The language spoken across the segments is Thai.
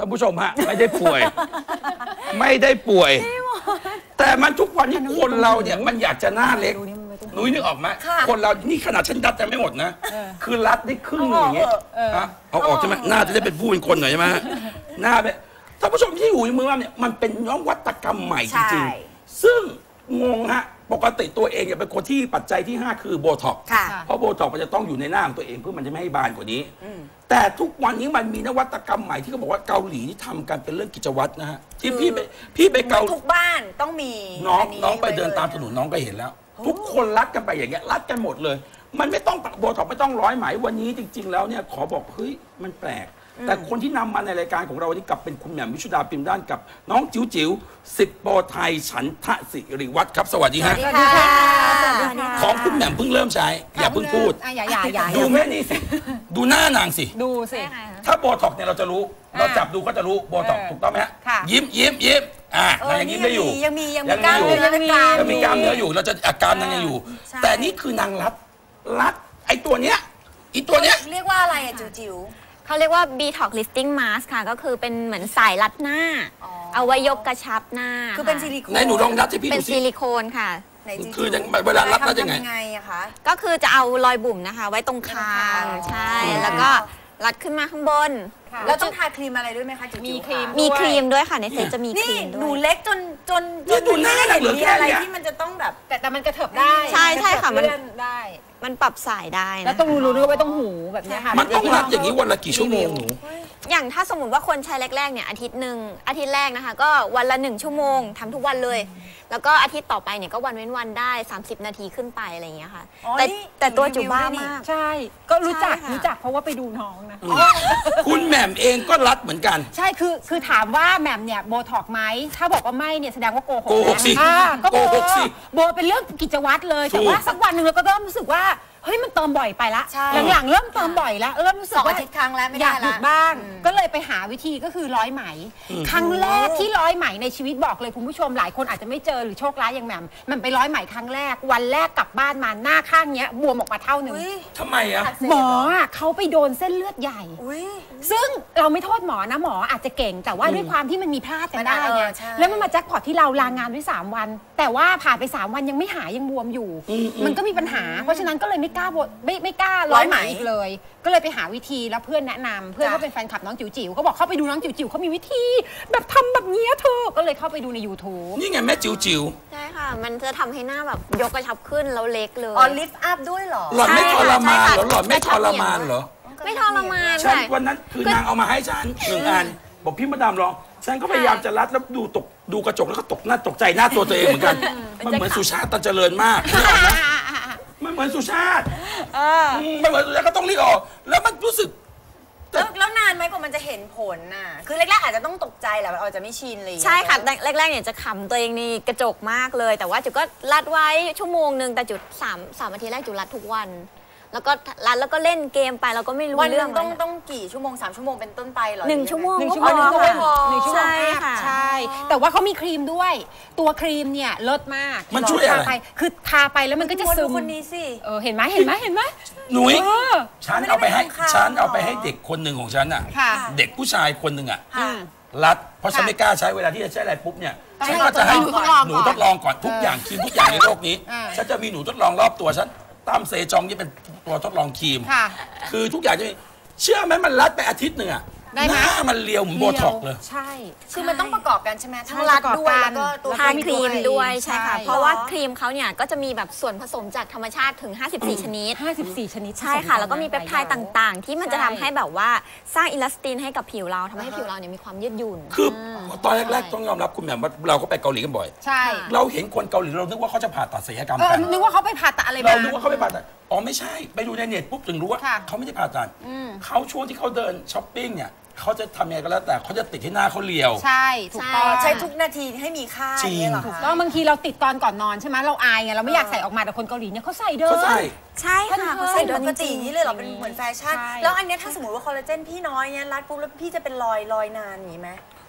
ผู้ชมฮะไม่ได้ป่วย ไม่ได้ป่วย แต่มันทุกวันนี้คนเราเนี่ยมันอยากจะหน้าเล็กนุ้ยนึกออกไหมคนเรานี่ขนาดฉันดัดแต่ไม่หมดนะคือรัดได้ครึ่งอย่างเงี้ยเอาออกใช่ไหมหน้าจะได้เป็นผู้เป็นคนหน่อยใช่ไหมหน้าเป็นท่านผู้ชมที่อยู่ในมือว่าเนี่ยมันเป็นนวัตกรรมใหม่จริงๆซึ่งงงฮะปกติตัวเองเนี่ยเป็นคนที่ปัจจัยที่5คือโบท็อกซ์เพราะโบท็อกซ์มันจะต้องอยู่ในหน้าของตัวเองเพื่อมันจะไม่ให้บานกว่านี้แต่ทุกวันนี้มันมีนวัตกรรมใหม่ที่เขาบอกว่าเกาหลีที่ทำกันเป็นเรื่องกิจวัตรนะฮะที่พี่ไปเกาทุกบ้านต้องมีน้องไปเดินตามถนนน้องก็เห็นแล้วทุกคนรัดกันไปอย่างเงี้ยรัดกันหมดเลยมันไม่ต้องโบท็อกซ์ไม่ต้องร้อยไหมวันนี้จริงๆแล้วเนี่ยขอบอกเฮ้ยมันแปลกแต่คนที่นำมาในรายการของเราวันนี้กลับเป็นคุณแหม่มวิชุดาพิมพ์ด้านกับน้องจิ๋วจิ๋ว10 โปรไทยฉันทะสิริวัฒน์ครับสวัสดีฮะของคุณแหม่มเพิ่งเริ่มใช้อย่าเพิ่งพูดดูแม่นี่สิดูหน้านางสิดูสิถ้าโบท็อกซ์เนี่ยเราจะรู้เราจับดูก็จะรู้โบท็อกซ์ถูกต้องไหมฮะยิ้มนางยังยิ้มได้อยู่ยังมีกล้ามเนื้อยังมีกล้ามเนื้ออยู่เราจะอาการนางยังอยู่แต่นี่คือนางรัดไอ้ตัวเนี้ยเรียกว่าอะไรอะจิ๋วเขาเรียกว่า Detox Lifting Mask ค่ะก็คือเป็นเหมือนสายรัดหน้าเอาไว้ยกกระชับหน้าคือเป็นซิลิโคนไหนหนูลองรัดให้พี่ดูสิเป็นซิลิโคนค่ะคือเวลารัดยังไงอะคะก็คือจะเอารอยบุ๋มนะคะไว้ตรงคางใช่แล้วก็รัดขึ้นมาข้างบนแล้วต้องทาครีมอะไรด้วยไหมคะมีครีมด้วยค่ะในเซ็ตจะมีครีมด้วยหนูเล็กจนดูหน้าเหลือมีอะไรที่มันจะต้องแบบแต่มันกระเถิบได้ใช่ค่ะมันได้มันปรับสายได้แล้วต้องรู้ด้วยไว้ต้องหูแบบนี้ค่ะมันต้องรัดอย่างนี้วันละกี่ชั่วโมงหนูอย่างถ้าสมมติว่าคนใช้แรกๆเนี่ยอาทิตย์แรกนะคะก็วันละ1 ชั่วโมงทำทุกวันเลยแล้วก็อาทิตย์ต่อไปเนี่ยก็วันเว้นวันได้30 นาทีขึ้นไปอะไรอย่างเงี้ยค่ะแต่ตัวจุบ้ามากใช่ก็รู้จักเพราะว่าไปดูน้องนะคุณแหม่มเองก็รัดเหมือนกันใช่คือถามว่าแหม่มเนี่ยโบท็อกไหมถ้าบอกว่าไม่เนี่ยแสดงว่าโกหกสิโกหกสิโบเป็นเรื่องกิจวัตรเลยแต่ว่าสักวันหนึ่งเราก็เริ่มรู้สึกว่าเฮ้ยมันเติมบ่อยไปละหลังๆเริ่มเติมบ่อยแล้วเริ่มรู้สึกว่าอาทิตย์ครั้งแล้วไม่ได้อยากหยุดบ้างก็เลยไปหาวิธีก็คือร้อยไหมครั้งแรกที่ร้อยไหมในชีวิตบอกเลยคุณผู้ชมหลายคนอาจจะไม่เจอหรือโชคร้ายอย่างแหม่มมันไปร้อยไหมครั้งแรกวันแรกกลับบ้านมาหน้าข้างเนี้ยบวมออกมาเท่านึงทำไมอะหมอเขาไปโดนเส้นเลือดใหญ่ซึ่งเราไม่โทษหมอนะหมออาจจะเก่งแต่ว่าด้วยความที่มันมีพลาดกันได้ไงแล้วมันมาแจ็คพอตที่เราลางานไว้3 วันแต่ว่าผ่านไป3 วันยังไม่หายยังบวมอยู่มันก็มีปัญหาเพราะฉะนั้นก็เลยไม่กล้าร้อยไหมอีกเลยก็เลยไปหาวิธีแล้วเพื่อนแนะนำเพื่อนก็เป็นแฟนคลับน้องจิ๋วจิ๋วก็บอกเข้าไปดูน้องจิ๋วจิ๋วเขามีวิธีแบบทำแบบนี้เธอก็เลยเข้าไปดูใน YouTube นี่ไงแม่จิ๋วจิ๋วใช่ค่ะมันจะทำให้หน้าแบบยกกระชับขึ้นแล้วเล็กเลยลิฟต์อัพด้วยเหรอหล่อนไม่ทรมานเหรอหล่อนไม่ทรมานเหรอไม่ทรมานฉันวันนั้นคือนางเอามาให้ฉัน1 อันบอกพี่มาดามลองฉันก็พยายามจะรัดแล้วดูกระจกแล้วก็ตกใจหน้าตัวเองเหมือนกันมันเหมือนสุชาติตันเจริญมากมันเหมือนสุชาติมันเหมือนสุชาติก็ต้องรีบออกแล้วมันรู้สึกแล้วนานไหมกว่ามันจะเห็นผลน่ะคือแรกๆอาจจะต้องตกใจแหละอาจจะไม่ชินเลยใช่ค่ะแรกๆเนี่ยจะขำตัวเองในกระจกมากเลยแต่ว่าจุดก็รัดไว้ชั่วโมงนึงแต่จุด3 อาทิตย์แรกจุดรัดทุกวันแล้วก็รัดแล้วก็เล่นเกมไปเราก็ไม่รู้เรื่องต้องกี่ชั่วโมง3 ชั่วโมงเป็นต้นไปหรอ 1 ชั่วโมงก็พอ1 ชั่วโมงใช่ค่ะใช่แต่ว่าเขามีครีมด้วยตัวครีมเนี่ยเลิศมากมันช่วยอะไรคือทาไปแล้วมันก็จะซึมคนนี้สิเห็นไหมหนุ่ยฉันเอาไปให้เด็กคนหนึ่งของฉันอ่ะเด็กผู้ชายคนหนึ่งอ่ะรัดเพราะฉันไม่กล้าใช้เวลาที่จะใช้อะไรปุ๊บเนี่ยฉันก็จะให้หนูทดลองก่อนทุกอย่างครีมทุกอย่างในโลกนี้ฉันจะมีหนูทดลองรอบตัวฉันตามเซจองนี่เป็นตัวทดลองครีมคือทุกอย่างจะมีเชื่อไหมมันรัดไปอาทิตย์หนึ่งอะหน้ามันเรียวเหมือนโบท็อกเลยใช่คือมันต้องประกอบกันใช่ไหมทั้งรัดด้วยแล้วก็ตัวทาครีมด้วยใช่ค่ะเพราะว่าครีมเขาเนี่ยก็จะมีแบบส่วนผสมจากธรรมชาติถึง54 ชนิดใช่ค่ะแล้วก็มีเปปไทด์ต่างๆที่มันจะทำให้แบบว่าสร้างอิลาสตินให้กับผิวเราทำให้ผิวเราเนี่ยมีความยืดหยุ่นคือตอนแรกๆต้องยอมรับคุณแหม่มว่าเราก็ไปเกาหลีกันบ่อยใช่เราเห็นคนเกาหลีเรานึกว่าเขาจะผ่าตัดศัลยกรรมกันนึกว่าเขาไปผ่าตัดอะไรเรานึกว่าเขาไปผ่าตัดอ๋อไม่ใช่ไปดูในเน็ตปุ๊บถึงรู้ว่าเขาไม่ได้ผ่าตัดเขาช่วงที่เขาเดินช้อปปิ้งเนี่ยเขาจะทำยังไงก็แล้วแต่เขาจะติดที่หน้าเขาเรียวใช่ถูกต้องใช้ทุกนาทีให้มีค่าเนี่ยหรอถูกต้องบางทีเราติดตอนก่อนนอนใช่ไหมเราอายไงเราไม่อยากใส่ออกมาแต่คนเกาหลีเนี่ยเขาใส่เดินใช่ค่ะเขาใส่เดินปกตินี่เลยเหรอเป็นเหมือนแฟชั่นแล้วอันนี้ถ้าสมมติว่าคอลลาเจนพี่น้อยเนี่ยรัดปุ๊บแล้วพี่จะเป็นรอยนานอย่างนี้ไหม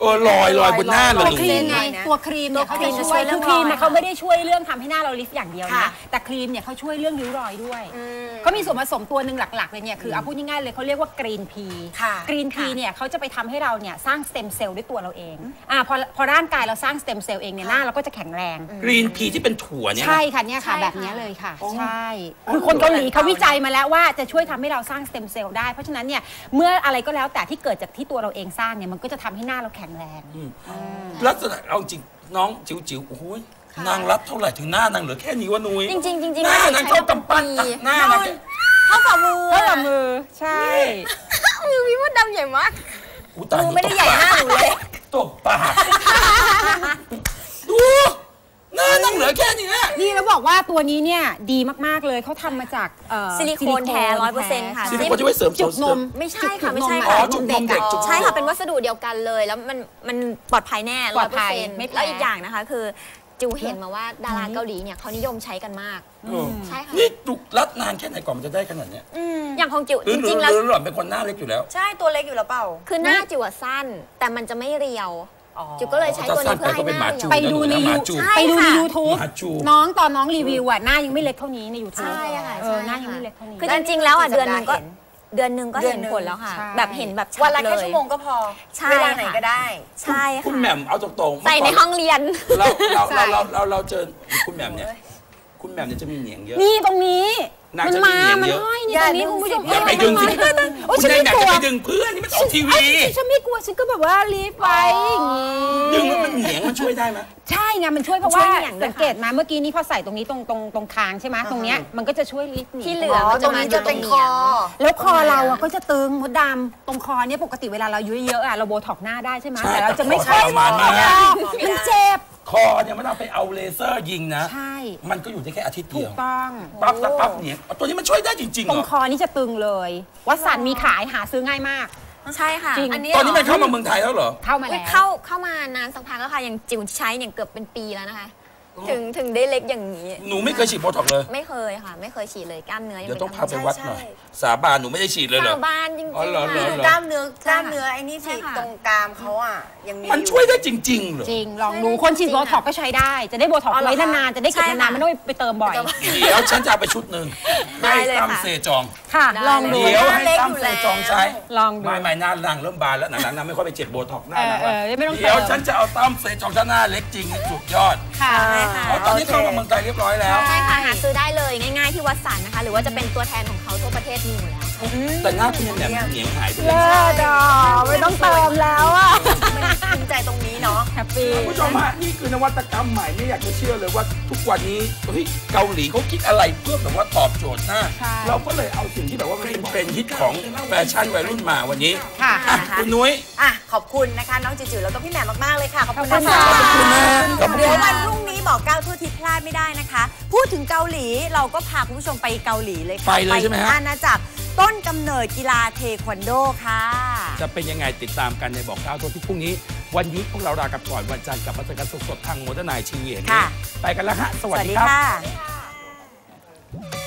ลอยบนหน้าเลยครีมไงตัวครีมเนี่ยเขาจะช่วยคือครีมเขาไม่ได้ช่วยเรื่องทำให้หน้าเราลิฟต์อย่างเดียวนะแต่ครีมเนี่ยเขาช่วยเรื่องริ้วรอยด้วยเขามีส่วนผสมตัวหนึ่งหลักๆเลยเนี่ยคือเอาพูดง่ายๆเลยเขาเรียกว่ากรีนพีกรีนพีเนี่ยเขาจะไปทำให้เราเนี่ยสร้างสเต็มเซลล์ด้วยตัวเราเองพอร่างกายเราสร้างสเต็มเซลล์เองเนี่ยหน้าเราก็จะแข็งแรงกรีนพีที่เป็นถั่วเนี่ยใช่ค่ะเนี่ยค่ะแบบนี้เลยค่ะใช่คือคนเกาหลีเขาวิจัยมาแล้วว่าจะช่วยทำให้เราสร้างสเต็มเซลล์ได้เพราะฉะนั้นเนี่ยเมื่ออะไรก็แล้วแต่ที่เกิดจากที่ตัวเราเองสร้างเนี่ยมันก็จะทำให้หน้าเราแข็งแรงลักษณะเอาจริงน้องจิ๋วโอ้โหนางรับเท่าไหร่ถึงหน้านางเหลือแค่นี้วะนุ้ยจริงหน้านางเท่ากำปั้นหน้านางเท่าฝ่ามือใช่มือพี่มดดำใหญ่มากมือไม่ได้ใหญ่หน้าหนูเลยตบปากดูหน้านางเหลือแค่นี้นี่แล้วบอกว่าตัวนี้เนี่ยดีมากๆเลยเขาทำมาจากซิลิโคนแท้ 100% ค่ะซิลิโคนจะไว้เสริมจุกนมไม่ใช่ค่ะไม่ใช่ค่ะจุกนมเด็กใช่ค่ะเป็นวัสดุเดียวกันเลยแล้วมันปลอดภัยแน่ 100% แล้วอีกอย่างนะคะคือจิวเห็นมาว่าดาราเกาหลีเนี่ยเขานิยมใช้กันมากใช่ค่ะนี่จุกรัดนานแค่ไหนก่อนมันจะได้ขนาดเนี้ยอย่างของจิวจริงๆแล้วหล่อนเป็นคนหน้าเล็กอยู่แล้วใช่ตัวเล็กอยู่แล้วเปล่าคือหน้าจิวสั้นแต่มันจะไม่เรียวจิวก็เลยใช้ตัวนี้เพื่อให้หน้าเรียวไปดูในยูทูบน้องตอนน้องรีวิวหน้ายังไม่เล็กเท่านี้ในยูทูบใช่ค่ะหน้ายังไม่เล็กเท่านี้คือจริงๆแล้วเดือนนึงก็เห็นผลแล้วค่ะแบบเห็นแบบชัดเลยวันละแค่ชั่วโมงก็พอเวลาไหนก็ได้ใช่ค่ะคุณแหม่มเอาตรงๆใส่ในห้องเรียนเราเจอคุณแหม่มเนี่ยจะมีเหนียงเยอะนี่ตรงนี้มันมามันห้อยนี่ตรงนี้คุณผู้ชมอย่าไปดึงสิคุณนายอยากจะไปดึงเพื่อนนี่มันออกทีวีฉันไม่กลัวฉันก็แบบว่ารีบไปดึงแล้วมันเหนียงมันช่วยได้ไหมใช่ไงมันช่วยเพราะว่าสังเกตมาเมื่อกี้นี้พอใส่ตรงนี้ตรงคางใช่ไหมตรงเนี้ยมันก็จะช่วยลิฟต์ที่เหลือตรงนี้จะเป็นคอแล้วคอเราก็จะตึงมดดำตรงคอเนี่ยปกติเวลาเราเยอะๆเราโบท็อกหน้าได้ใช่ไหมแต่เราจะไม่ใช่มันเจ็บคอเนี่ยมันเอาไปเอาเลเซอร์ยิงนะใช่มันก็อยู่ได้แค่อาทิตย์เดียวถูกต้องปั๊บเนี่ยตัวนี้มันช่วยได้จริงๆตรงคอนี่จะตึงเลยวัสันมีขายหาซื้อง่ายมากใช่ค่ะตอนนี้มันเข้ามาเมืองไทยแล้วเหรอเข้ามาแล้วเข้ามานานสักพักแล้วค่ะอย่างจิ๋วใช้เนี่ยเกือบเป็นปีแล้วนะคะถึงได้เล็กอย่างนี้หนูไม่เคยฉีดโบท็อกเลยไม่เคยค่ะไม่เคยฉีดเลยกล้ามเนื้อเดี๋ยวต้องพาไปวัดหน่อยสาบานหนูไม่ได้ฉีดเลยเหรอสาบานจริงๆกล้ามเนื้อไอ้นี่สิตรงกรามเขาอ่ะยังมีมันช่วยได้จริงๆเหรอจริงลองดูคนฉีดโบท็อกก็ใช้ได้จะได้โบท็อกไว้นานๆจะได้เก็บนานๆไม่ต้องไปเติมบ่อยเดี๋ยวฉันจะเอาไปชุดหนึ่งให้ตั้มเซจองค่ะลองดูเดี๋ยวให้ตั้มเซจองใช้ลองดูไม่หน้าหลังเริ่มบานแล้วหลังๆน้ำไม่ค่อยไปเจ็บโบท็อกหน้าไม่ต้องเดี๋ยวฉันจะเอาตั้มเซจองถ้าหน้าเล็กจริงสุดยอดค่ะตอนนี้เข้ามาเมืองไทยเรียบร้อยแล้วใช่ค่ะหาซื้อได้เลยง่ายๆที่วัดสันนะคะหรือว่าจะเป็นตัวแทนของเขาทั่วประเทศมีอยู่แล้วแต่หน้าคุณยังแบบเหนียงหายไปเลยไม่ต้องเติมแล้วอ่ะภูมิใจตรงนี้เนาะแฮปปี้ผู้ชมฮะนี่คือนวัตกรรมใหม่ไม่อยากจะเชื่อเลยว่าทุกวันนี้เกาหลีเขาคิดอะไรเพื่อแบบว่าตอบโจทย์หน้าเราก็เลยเอาสิ่งที่แบบว่าเป็นเทรนด์ฮิตของแฟชั่นวัยรุ่นมาวันนี้ค่ะคุณนุ้ยขอบคุณนะคะน้องจิ๋วแล้วก็พี่แหม่มมากๆเลยค่ะขอบคุณนะคะขอบคุณนะเดี๋ยววันพรุ่งนี้บอก9ทั่วทิศพลาดไม่ได้นะคะพูดถึงเกาหลีเราก็พาคุณผู้ชมไปเกาหลีเลยค่ะไปเลยใช่ไหมฮะอาณาจักรต้นกำเนิดกีฬาเทควันโดค่ะจะเป็นยังไงติดตามกันในบอก9ทั่วทิศพรุ่งนี้วันนี้พวกเราลากันก่อนวันจันทร์กับมาเจอกันสดๆทางโมเดิร์นไนท์ทีวีไปกันแล้วฮะสวัสดีครับ